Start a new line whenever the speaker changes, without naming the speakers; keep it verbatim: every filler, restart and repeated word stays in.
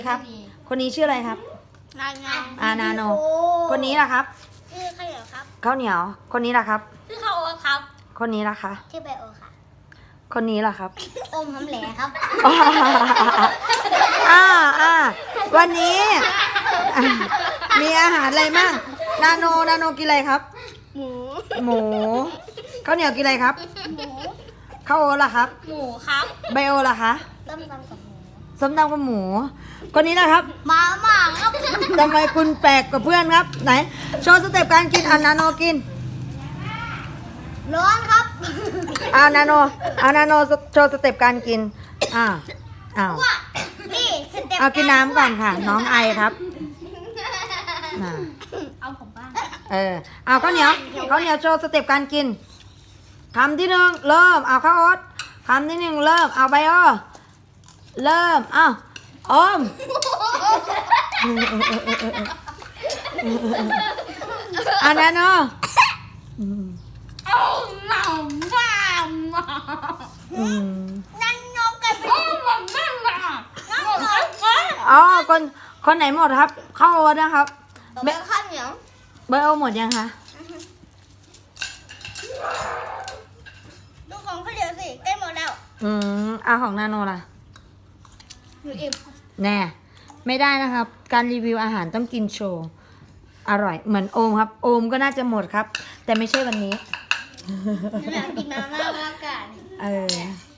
ครับคนนี้ชื่ออะไรครับ
นานงาม
อานาโนคนนี้ล่ะครับ
ชื่อข้าวเหนียวครับ
ข้าวเหนียวคนนี้ล่ะครับ
ชื่อข้าวโอ๊ตครับ
คนนี้ล่ะคะ
ชื่อไบโอค่ะ
คนนี้ล่ะครับ
อมหำแหลครับ
อ่าอ่าวันนี้อ่ะมีอาหารอะไรมั่งนาโนนาโนกินอะไรครับ
หมู
หมูข้าวเหนียวกินอะไรครับ
หมู
ข้าวโอ๊ตล่ะครับ
หมูครับ
ไบโอล่ะคะ
ต้มตำกับหมู
ส้มตำกับหมู คนนี้ล่ะครับ
มาม่าครับ
ทำไมคุณแปลกกว่าเพื่อนครับ ไหนโชว์สเต็ปการกินอ่ะนาโนกิน
ร้อนครับ
อ่านาโนอ่านาโนโชว์สเต็ปการกินอ่าอ้าว
ว่านี่สเต็ป
เอากินน้ำก่อนค่ะ น้องไอครับน่ะ
เอาผมบ้าง
เออเอาข้าวเหนียวข้าวเหนียวโชว์สเต็ปการกินคำที่หนึ่งเริ่มเอาข้าวโอ๊ตคำที่หนึ่งเริ่มเอาไบโอเริ่มเอาอมเอานาโน
เอาหนังบ้ามา
อืม
นั่งนกกันไปมันนั่งอ่ะนั่งนกกัน
อ๋อคนคนไหนหมดครับข้าวโอ๊ตนะครับ
เบลข้าวเหนียว
ไบโอหมดยังคะ
ดูของข้าวเหนียวสิใกล้หมดแล้ว
อืมเอาของนาโนล่ะ
หนูอิ่ม
แน่ไม่ได้นะครับ การรีวิวอาหารต้องกินโชว์อร่อยเหมือนโอมครับ โอมก็น่าจะหมดครับ แต่ไม่ใช่วันนี้
หนูอยากกินมาม่ามากกว่า
เออ